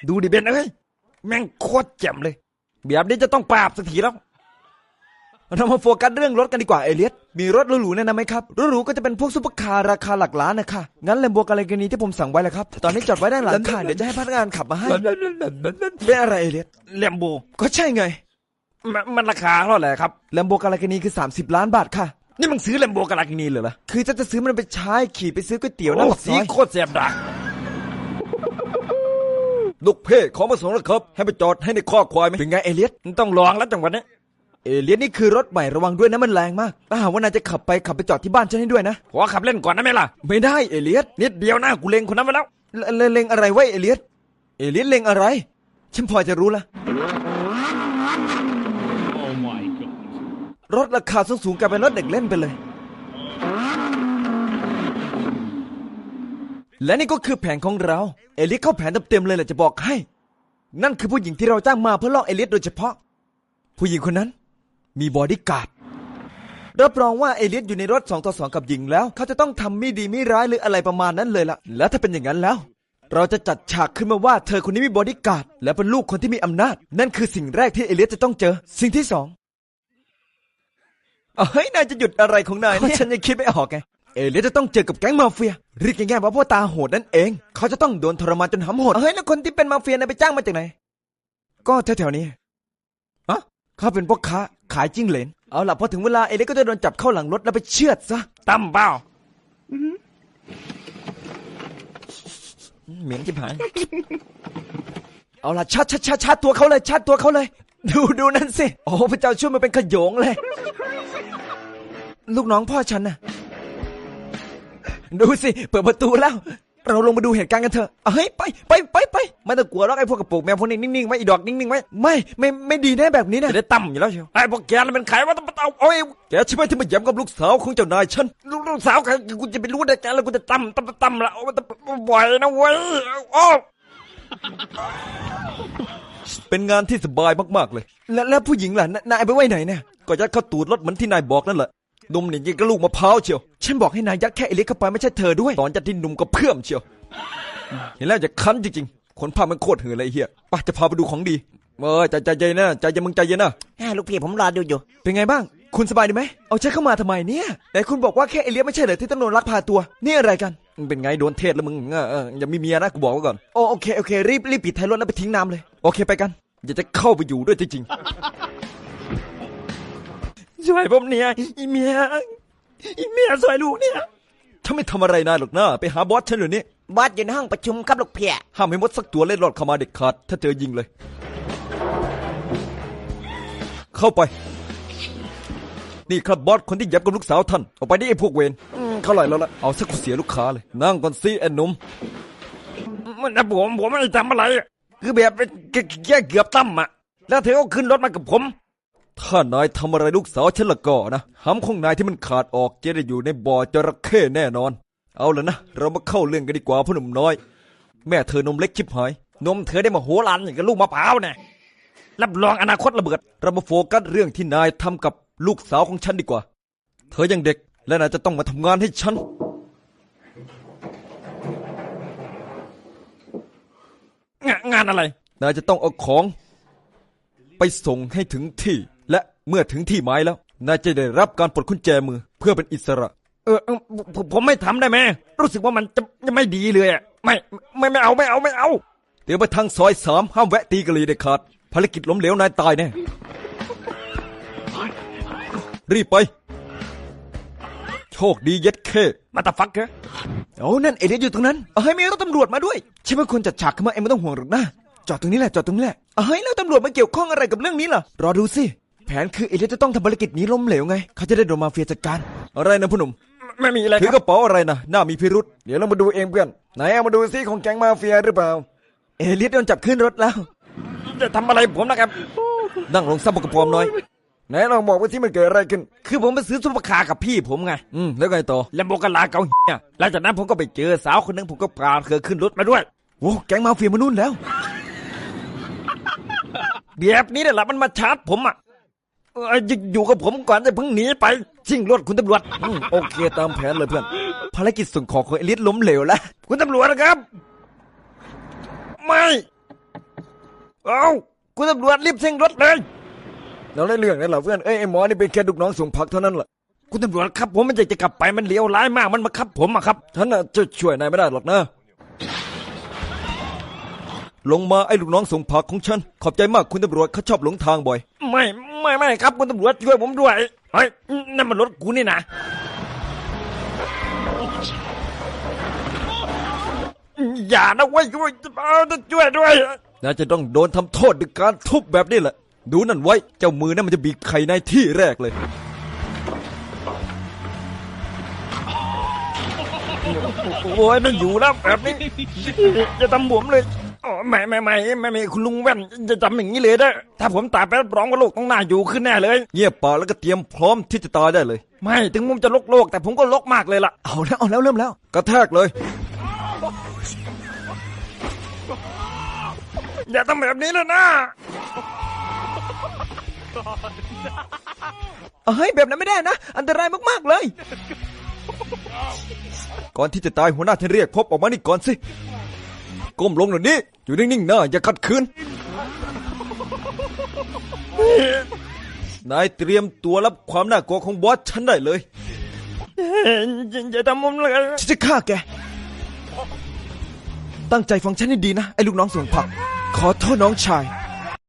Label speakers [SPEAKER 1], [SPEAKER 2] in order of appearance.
[SPEAKER 1] ดูดิเบนเอ้ยแม่งโคตรแจ่มเลยแบบนี้จะต้องปราบสักทีแล้วเรามาโฟกัสเรื่องรถกันดีกว่าเอเลียสมีรถหรูๆแนะนำไหมครับรถหรูก็จะเป็นพวกซุปเปอร์คาร์ราคาหลักล้านนะคะงั้นแลมโบกาเลกานีที่ผมสั่งไว้แหละครับตอนนี้จอดไว้ด้านหลังค่ะเดี๋ยวจะให้พนักงานขับมาให้เป็นอะไรเอเลียส
[SPEAKER 2] แลมโบ
[SPEAKER 1] ก็ใช่ไง
[SPEAKER 2] มันราคาเท่าไหร่ครับ
[SPEAKER 1] แลมโบกาเลกานีคือ30 ล้านบาทค่ะ
[SPEAKER 2] นี่มึงซื้อแลมโบกาลากินีเหรอ
[SPEAKER 1] คือจะซื้อมันไปใช้ขี่ไปซื้อก๋วยเตี๋ยวหน้าปากซอย
[SPEAKER 2] สีโคตรแสบดัก
[SPEAKER 1] ลูกเพ่ขอมาส่งแล้วครับให้ไปจอดให้ในข้อควายไหมเป็นไงเอเลียส
[SPEAKER 2] ต้องลองแล้วจังหวะนี้
[SPEAKER 1] เอเลียสนี่คือรถใหม่ระวังด้วยนะมันแรงมากถ้าหากว่านายจะขับไปจอดที่บ้านฉันให้ด้วยนะ
[SPEAKER 2] ขอขับเล่นก่อนได้ไหมล่ะ
[SPEAKER 1] ไม่ได้เอเลียส
[SPEAKER 2] นิดเดียวนะกูเล็งคนนั้นไปแล้ว
[SPEAKER 1] เล็งอะไรไว้เอเลียสเล็งอะไรฉันพอจะรู้ละรถราคาสูงกลายเป็นรถเด็กเล่นไปเลยและนี่ก็คือแผนของเราเอเลียสเข้าแผนเต็มเลยแหละจะบอกให้นั่นคือผู้หญิงที่เราจ้างมาเพื่อล่อเอเลียสโดยเฉพาะผู้หญิงคนนั้นมีบอดี้การ์ดรับรองว่าเอเลียสอยู่ในรถ2 ต่อ 2กับหญิงแล้วเขาจะต้องทำไม่ดีไม่ร้ายหรืออะไรประมาณนั้นเลยล่ะแล้วถ้าเป็นอย่างนั้นแล้วเราจะจัดฉากขึ้นมาว่าเธอคนนี้มีบอดี้การ์ดและเป็นลูกคนที่มีอำนาจนั่นคือสิ่งแรกที่เอเลียสจะต้องเจอสิ่งที่2เฮ้ยนายจะหยุดอะไรของนายเนี่ยฉันยังคิดไม่ออกไงเอเลียสจะต้องเจอกับแก๊งมาเฟียเรียกง่ายๆว่าพ่อตาโหดนั่นเองเขาจะต้องโดนทรมานจนหำหดเฮ้ยแล้วคนที่เป็นมาเฟียนายไปจ้างมาจากไหนก็แถวๆนี้เขาเป็นพวกค้าขายจิ้งเหลนเอาล่ะพอถึงเวลาเอเลียสก็จะโดนจับเข้าหลังรถแล้วไปเชือดซะ
[SPEAKER 2] ตั้มเปล่า
[SPEAKER 1] เหม็นจิ๋หายเอาล่ะชัดตัวเขาเลยดูนั่นสิโอ้พระเจ้าช่วยมันเป็นขโยงเลยลูกน้องพ่อฉันน่ะดูสิเปิดประตูแล้วเราลงมาดูเหตุการณ์กันเถอะเฮ้ยไปไม่ต้องกลัวหรอกไอ้พวกกระโปรงแมวพวกนี้นิ่งๆไว้อีดอกนิ่งๆไว้ไม่ดีแน่แบบนี้นะ
[SPEAKER 2] จะได้ตั้มอยู่แล้วเชียวไอ้พวกแกนั่นเป็นใครวะเอา
[SPEAKER 1] แกใช่ไหมที่มาแย้มกับลูกสาวของเจ้านายฉัน
[SPEAKER 2] ลูกสาวใครกูจะไปรู้ได้แกแล้วกูจะตั้มละบ่อยนะเว้ยโอ้
[SPEAKER 1] เป็นงานที่สบายมากๆเลยแล้วผู้หญิงล่ะนายไปไว้ไหนเนี่ยก็ยัดเข้าตูดรถเหมือนที่นายบอกนั่นแหละนมนี่ยิงกระลูกมะพร้าวเชียวฉันบอกให้นายยัดแค่เอเลียสเข้าไปไม่ใช่เธอด้วยตอนยัดที่นุ่มก็เพื่อมเชียวเห็นแล้วจะคันจริงๆคนพามันโคตรเหื่อยเลยเฮียไปจะพาไปดูของดีใจเย็นนะใจเย็นมึงใจเย็นนะ
[SPEAKER 3] ลูกพี่ผมรอดูอยู่
[SPEAKER 1] เป็นไงบ้างคุณสบายดีไหมเอาฉันเข้ามาทำไมเนี่ยแต่คุณบอกว่าแค่เอเลียสไม่ใช่เหรอที่ต้องโดนลักพาตัวนี่อะไรกันเป็นไงโดนเทศแล้วมึงอย่ามีเมียนะกูบอกไว้ก่อนโอเครีบปิดท้ายรถแล้วไปทิ้งน้ำเลยโอเคไปกันอยากจะเข้าไปอยู่ด้วยจริง
[SPEAKER 2] ๆช่วยผมเนี่ยอีเมียช่วยลูกเนี่ย
[SPEAKER 1] ถ้าไม่ทำอะไรนายหรอกนะไปหาบอสฉันเดี๋ยวนี้
[SPEAKER 3] บอสอยู่ในห้องประชุมครับลูกพี่
[SPEAKER 1] ห้ามให้มดสักตัวเล่นรอดเข้ามาเด็ดขาดถ้าเจอยิงเลยเข้าไปนี่ครับบอสคนที่ยับกับลูกสาวท่านออกไปนี่ไอ้พวกเวรเขาไหลแล้วล่ะเอาสักเสียลูกค้าเลยนั่งก่อนสิไอ้หนุ่ม
[SPEAKER 2] มันนะผมไม่ได้ทำอะไรคือแบบแค่เกือบตั้มอ่ะแล้วเธอก็ขึ้นรถมากับผม
[SPEAKER 1] ถ้านายทำอะไรลูกสาวฉันละก็นะหำของนายที่มันขาดออกจะได้อยู่ในบ่อจระเข้แน่นอนเอาละนะเรามาเข้าเรื่องกันดีกว่าพ่อหนุ่มน้อยแม่เธอนมเล็กชิบหาย
[SPEAKER 2] นมเธอได้มาโหฬารอย่างกับลูกมะพร้าวเนี่ยรับรองอนาคตระเบิด
[SPEAKER 1] เรามาโฟกัสเรื่องที่นายทำกับลูกสาวของฉันดีกว่าเธอยังเด็กและนายจะต้องมาทำงานให้ฉัน
[SPEAKER 2] งานอะไร
[SPEAKER 1] นายจะต้องเอาของไปส่งให้ถึงที่และเมื่อถึงที่หมายแล้วนายจะได้รับการปลดกุญแจมือเพื่อเป็นอิสระ
[SPEAKER 2] ผมไม่ทำได้ไหมรู้สึกว่ามันจะไม่ดีเลยอ่ะไม่เอา
[SPEAKER 1] เดี๋ยวไปทางซอย3ห้ามแวะตีกะลีเด็ดขาดภารกิจล้มเหลวนายตายแน่รีบไปโชคดีเย็ดเค
[SPEAKER 2] มาตาฟักเหรอ
[SPEAKER 1] โอ้นั่นเอเลียสอยู่ตรงนั้นเฮ้ยมีรถตำรวจมาด้วยใช่ไหมคนจัดฉากขึ้นมาเอ็มไม่ต้องห่วงหรอกนะจอดตรงนี้แหละเฮ้ยแล้วตำรวจมาเกี่ยวข้องอะไรกับเรื่องนี้ล่ะรอดูสิแผนคือเอเลียสจะต้องทำภารกิจนี้ล้มเหลวไงเขาจะได้โดนมาเฟียจัดการอะไรนะพ่อหนุ่ม
[SPEAKER 2] ไม่มีอะไร
[SPEAKER 1] ถือกระเป๋าอะไรนะน่ามีพิรุษเดี๋ยวเรามาดูเองเพื่อนไหนเอามาดูซิของแก๊งมาเฟียหรือเปล่าเอเลียสโดนจับขึ้นรถแล้ว
[SPEAKER 2] จะทำอะไรผมนะครับ
[SPEAKER 1] นั่งลงซับบกระพร้อมน้อยไหนลองบอกว่าที่มันเกิดอะไรขึ้น
[SPEAKER 2] คือผมไปซื้อซุปเปอร์คาร์กับพี่ผมไง
[SPEAKER 1] แล้วไงต่อ
[SPEAKER 2] แลมโบกาลาเกาเนี่ยหลังจากนั้นผมก็ไปเจอสาวคนนึงผมก็พาเธอขึ้นรถมาด้วย
[SPEAKER 1] โอ้แก๊งมาเฟียมานู่นแล้ว
[SPEAKER 2] แบบนี้แหละมันมาชาร์จผมอ่ะอยู่กับผมก่อนจะเพิ่งหนีไปชิงรถคุณตำรวจ
[SPEAKER 1] โอเคตามแผนเลยเพื่อนภารกิจส่งของของเอลิสล้มเหลวแล้ว
[SPEAKER 2] คุณตำรวจนะครับไม่เอาคุณตำรวจรีบเร่งรถเลย
[SPEAKER 1] เราได้เรื่องนั่นเหรอเพื่อนไอ้หมอนี่เป็นแค่ลูกน้องส่งผักเท่านั้นแหละ
[SPEAKER 2] คุณตำรวจครับผมมันจะกลับไปมันเลวร้ายมากมันมาขับผมอะครับ
[SPEAKER 1] ฉันน่ะจะช่วยนายไม่ได้หรอกนะลงมาไอ้ลูกน้องส่งผักของฉันขอบใจมากคุณตำรวจเขาชอบหลงทางบ่อย
[SPEAKER 2] ไม่ครับคุณตำรวจช่วยผมด้วยเฮ้ยนั่นมันรถกูนี่นะอย่านะเว้ยช่วยด้วย
[SPEAKER 1] นายจะต้องโดนทำโทษด้วยการทุบแบบนี้แหละดูนั่นไว้เจ้ามือนั่นมันจะบีบไข่ในที่แรกเลย
[SPEAKER 2] โอ้ยไม่อยู่แล้วแบบนี้จะทำผมเลยอ๋อไม่คุณลุงแว่นจะทำอย่างนี้เลยนะถ้าผมตายไปรับรองว่าโลกต้องน่าอยู่ขึ้นแน่เลย
[SPEAKER 1] เงียบปากแล้วก็เตรียมพร้อมที่จะตายได้เลย
[SPEAKER 2] ไม่ถึงผมจะโลกแต่ผมก็โลกมากเลยล่ะ
[SPEAKER 1] เอาแล้วเริ่มแล้วกระแทกเลย
[SPEAKER 2] อย่าทำแบบนี้เลยนะ
[SPEAKER 1] เฮ้ยแบบนั้นไม่ได้นะอันตรายมากๆเลยก่อนที่จะตายหัวหน้าท่านเรียกพบออกมานี่ก่อนสิก้มลงหน่อยนี่อยู่นิ่งๆนะอย่าขัดขืนนายเตรียมตัวรับความน่ากลัวของบอสฉันได้เลย
[SPEAKER 2] อย่าทำผมเลย
[SPEAKER 1] ฉันจะฆ่าแกตั้งใจฟังฉันให้ดีนะไอ้ลูกน้องส่งผักขอโทษน้องชาย